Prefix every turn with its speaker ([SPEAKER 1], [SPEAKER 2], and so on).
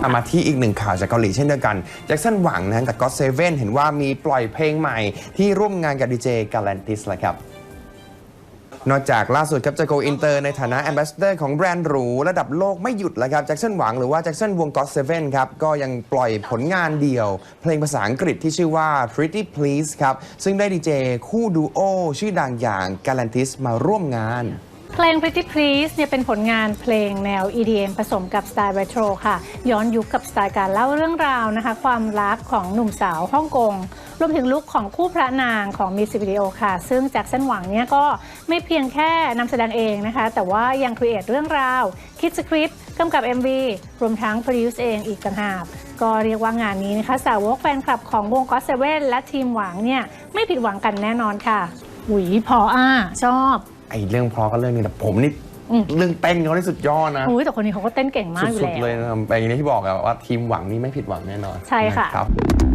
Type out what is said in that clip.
[SPEAKER 1] มาที่อีกหนึ่งข่าวจากเกาหลีเช่นเดียวกันแจ็คสันหวังนะกับก็อตเซเว่นเห็นว่ามีปล่อยเพลงใหม่ที่ร่วมงานกับดีเจกาแลนติสเลยครับนอกจากล่าสุดครับจะ go inter ในฐานะ ambassador ของแบรนด์หรูระดับโลกไม่หยุดแล้วครับแจ็คสันหวังหรือว่าแจ็คสันวงก็อตเซเว่นครับก็ยังปล่อยผลงานเดี่ยวเพลงภาษาอังกฤษที่ชื่อว่า Pretty Please ครับซึ่งได้ดีเจคู่ดูโอชื่อดังอย่าง Galantis มาร่วมงาน
[SPEAKER 2] เพลง Pretty Please เนี่ยเป็นผลงานเพลงแนว EDM ผสมกับสไตล์ Retro ค่ะย้อนยุคกับสไตล์การเล่าเรื่องราวนะคะความรักของหนุ่มสาวฮ่องกงรวมถึงลุคของคู่พระนางของมิวสิกวิดีโอค่ะซึ่งแจ็คสันหวังเนี่ยก็ไม่เพียงแค่นำแสดงเองนะคะแต่ว่ายังครีเอทเรื่องราวคิดสคริปต์กำกับ MV รวมทั้งโปรดิวซ์เองอีกต่างหากก็เรียกว่างานนี้นะคะสาวกแฟนคลับของวงก็อตเซเว่นและทีมหวังเนี่ยไม่ผิดหวังกันแน่นอนค่ะหุยพอชอบ
[SPEAKER 1] ไอ้เรื่องเพราะก็เรื่องนี้แต่ผมนี่เรื่องเต้นเขาได้สุดยอดนะ
[SPEAKER 2] แต่คนนี้เขาก็เต้นเก่งมากอยู่แล้ว
[SPEAKER 1] สุดๆเลยนะอย่างที่บอกว่าทีมหวังนี่ไม่ผิดหวังแน่นอน
[SPEAKER 2] ใช่ค่ะ
[SPEAKER 1] ครับ